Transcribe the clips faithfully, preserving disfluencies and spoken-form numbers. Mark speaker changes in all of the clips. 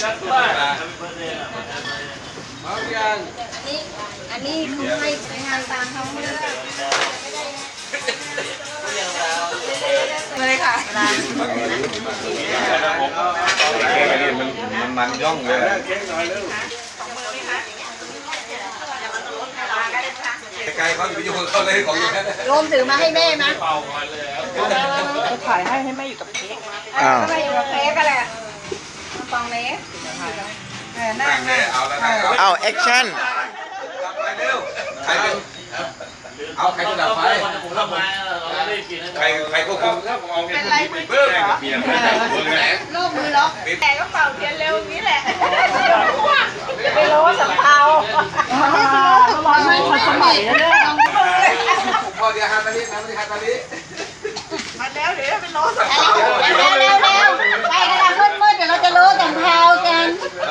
Speaker 1: อันนี้เขาให้ไปงานตามเขาเลยค่ะ
Speaker 2: มันมันมันย่องเลยไกลเขาอยู่ยุ่งเขาเลยของอยู่แค่
Speaker 1: โยมถือมาให้แม่ไหม
Speaker 3: จะถ่ายให้ให้แม่อยู่กับเค้ก
Speaker 1: อ้าวไม่อยู่กับเค้กกันแหละฟองเล็ก
Speaker 2: นั่งเลยเอาแล้วนั่ง
Speaker 4: เอาแอคชั่น
Speaker 2: ไปเร็วใครเป็นเอาใครจะดับไฟใครใครควบคุม
Speaker 1: เป็นไรมือเบิ้ลเหรอโลกมือล็อกแต่ก็เป่าเทียนเร็วนี้แหละไปโลสัมเภาไม่ทันสมัยแล้วเนี่ย
Speaker 2: พอเดี๋ยวฮาตาลินะไม่ใช่ฮาตาลิ
Speaker 1: มาแล้วเดี๋ยวไปโลสัมเภาเร็วเร็วเร็วไปกระดาษมืดมืดเดี๋ยวเราจะโลสัมเภากัน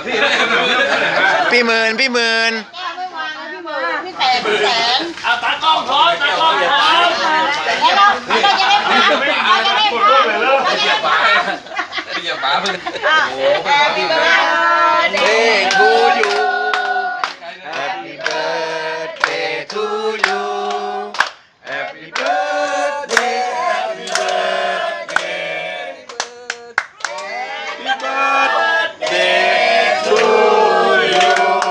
Speaker 4: พี่หมื่นพี่หมื่น
Speaker 1: พี่แสนพี่แสน
Speaker 5: เอาตากล้องพร้อมตากล้องพร้อม
Speaker 1: แล้วเราเราจะได้พักเราจะได้พักเราจะได้พัก
Speaker 2: อย่าบ้าเพื่อน
Speaker 1: โอ้แฮปปี้เบิร์ดเดย์
Speaker 4: to you Happy birthday to you Happy birthday Happy birthday Happy birthday to you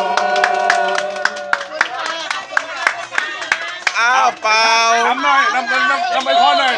Speaker 4: อ้าวเปล่า
Speaker 2: ทำหน่อยทำทำทำไปพอหน่อย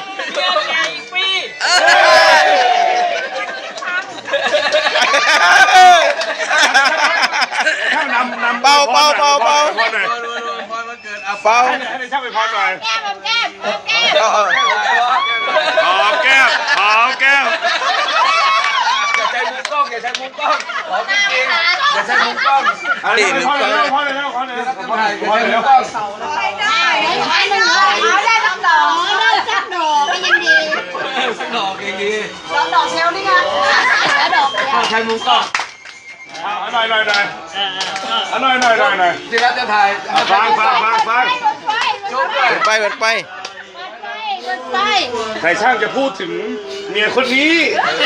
Speaker 4: เบาเบาเบาเบาเบา
Speaker 2: ให้ช่างไปพอหน่อย
Speaker 1: แก้มแก้มแก้ม
Speaker 2: หอมแก้มหอมแก้มอย่าใช้มุมกล้องอย่าใช้มุมกล้องหอมจริงอย่าใช้มุมกล้อง
Speaker 4: ตีมือกล้อง
Speaker 2: พอเลยพอเลยพอเลยพอเลยพอเลย
Speaker 1: ได้ได้ได้เอาได้ทั้งดอกได้สักดอกก็ยังดี
Speaker 2: สักดอกยังดี
Speaker 1: ดอกดอกเชลนี่ไงแล้วดอก
Speaker 5: ใช้มุมกล้อง
Speaker 2: เอาหน่อยหน่อยหน่อยเอาหน่อยหน่อยหน่อยหน่อยที่รัฐจะถ่ายฟังฟังฟังฟัง
Speaker 4: เปิดไปเปิดไป
Speaker 2: ใครช่างจะพูดถึงเมียคนนี้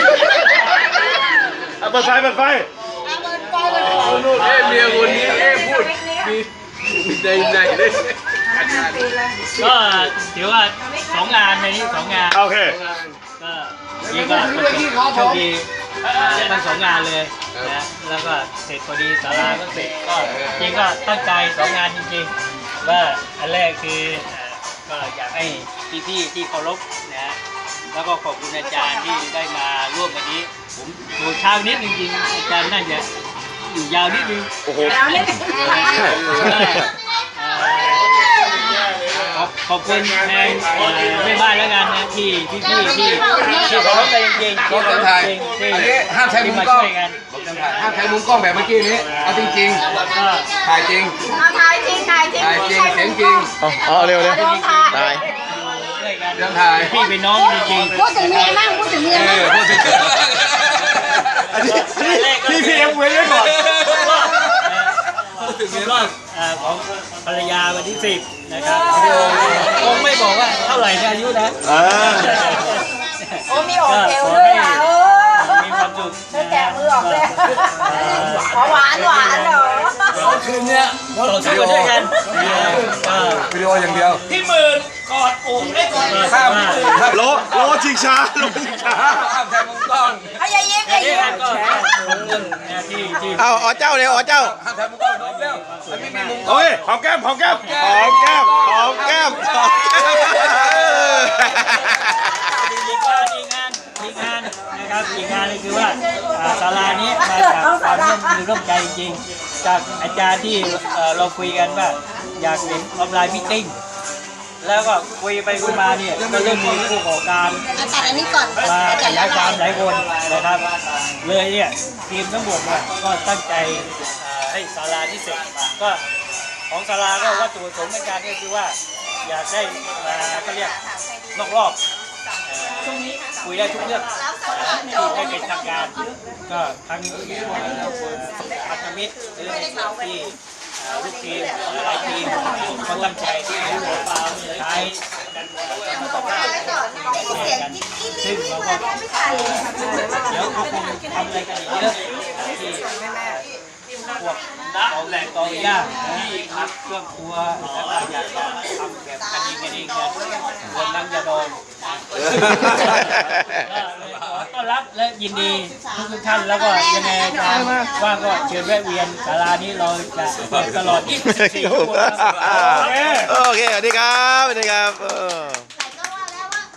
Speaker 2: เปิดไฟเปิดไฟเอ๊ะเมียคนนี้เอ๊ะพูดมีใจใจเลย
Speaker 5: ก็ถือว่าสองงานในนี้สองงาน
Speaker 2: โอเค
Speaker 5: ก็นี่ก็โชคดีทั้งสองงานเลยนะแล้วก็เสร็จพอดีศาลาก็เสร็จก็จริงก็ตั้งใจสองงานจริงๆว่าอันแรกคือก็อยากให้พี่ๆที่เคารพนะแล้วก็ขอบคุณอาจารย์ที่ได้มาร่วมวันนี้ผมดูเช้านิดจริงๆอาจารย์น่าจะอยู่ยาวนิดนึง
Speaker 2: โอ้โห
Speaker 5: ขอบขอบคุณแทนแม่บ้านแล้วกันนะที่พี่พี่ที่ที่เคารพกันจริงๆที่เคารพจริงที่
Speaker 2: อันนี้ห้ามใช้มุมกล้องห้ามใช้มุมกล้องแบบเมื่อกี้นี้เอาจริงๆถ่ายจริง
Speaker 1: ถ่ายจริงถ่ายจริง
Speaker 2: ถ่ายจริงเสียงจริง
Speaker 4: อ๋อเร็วเร็วตาย
Speaker 5: ยังถ่ายพี่เป็นน้องจริงๆ
Speaker 1: พูดถึงเมียมั่งพูดถึงเมียมั่ง
Speaker 2: พูดถึงอันนี้พี่พี่เอ็มเว้นไว้ก่อน
Speaker 5: พูดถึงเมียบ้างของภรรยาวันที่สิบนะครับคงไม่บอกว่าเท่าไหร่อายุนะ
Speaker 1: โอ้มีออกเอวด้วยอ่ะเออ
Speaker 5: มีความสุข
Speaker 1: แกะมือออกเลยหวานหวานเหรอ
Speaker 5: คืนเนี้ยเราช่วยกันด้วยกัน
Speaker 2: วิดีโออย่างเดียว
Speaker 5: พี่หมื่นกอดอกได้ก่อน
Speaker 2: ข้าม
Speaker 4: โลโลชิงช้าโลชิงช้า
Speaker 2: ข้ามใช้มุมกล้อง
Speaker 1: เอาอย่ายิ้มอย่ายิ้ม
Speaker 4: เอาอ๋อเจ้าเร็วอ๋อเจ้า
Speaker 2: ข้ามใช้มุมกล้องน้องเร็วไม่มีมุม
Speaker 4: โอ้ยหอมแก้มหอมแก้มหอมแก้มหอมแก้มหอมแก้ม
Speaker 5: อีกงานอีกงานอีกงานนะครับอีกงานเลยคือว่าศาลานี้มาจากความร่วมมือร่วมใจจริงจากอาจารย์ที่เราคุยกันว่าอยากเห็นออนไลน์มิทติ้งแล้วก็คุยไปคุยมาเนี่ยก็เริ่มมีผู้ก่อการ
Speaker 1: ตัดอันนี้ก่อน
Speaker 5: มาหลายความหลายคนนะครับเลยเนี่ยทีมทั้งหมดก็ตั้งใจให้ศาลาที่เสร็จก็ของศาลาก็วัตถุประสงค์ในการก็คือว่าอยากได้มาก็เรียกนอกรอบคุยได้ทุกเรื่องที่ได้เป็นทางการก็ทั้งพันธมิตรหรือที่ลูกทีมหลายทีมก็ตั้งใจที่จะใช้กันมาต่อไปซึ่งเราก็เดี๋ยวคงทำอะไรกันอีกเยอะที่พวกเอาแหล่งตอย่าที่พักเครื่องครัวแล้วก็อยากจะทำแบบกันเองกันเองกันคนนั้นจะโดนขอต้อนรับและยินดีทุกท่านแล้วก็ยังไงว่างก็เชิญแวะเวียนศาลานี้เราจะเปิดตลอดยี่สิบสี่ชั่วโมงครับ
Speaker 4: โอเค สวัสดีครับ สวัสดีครับเออ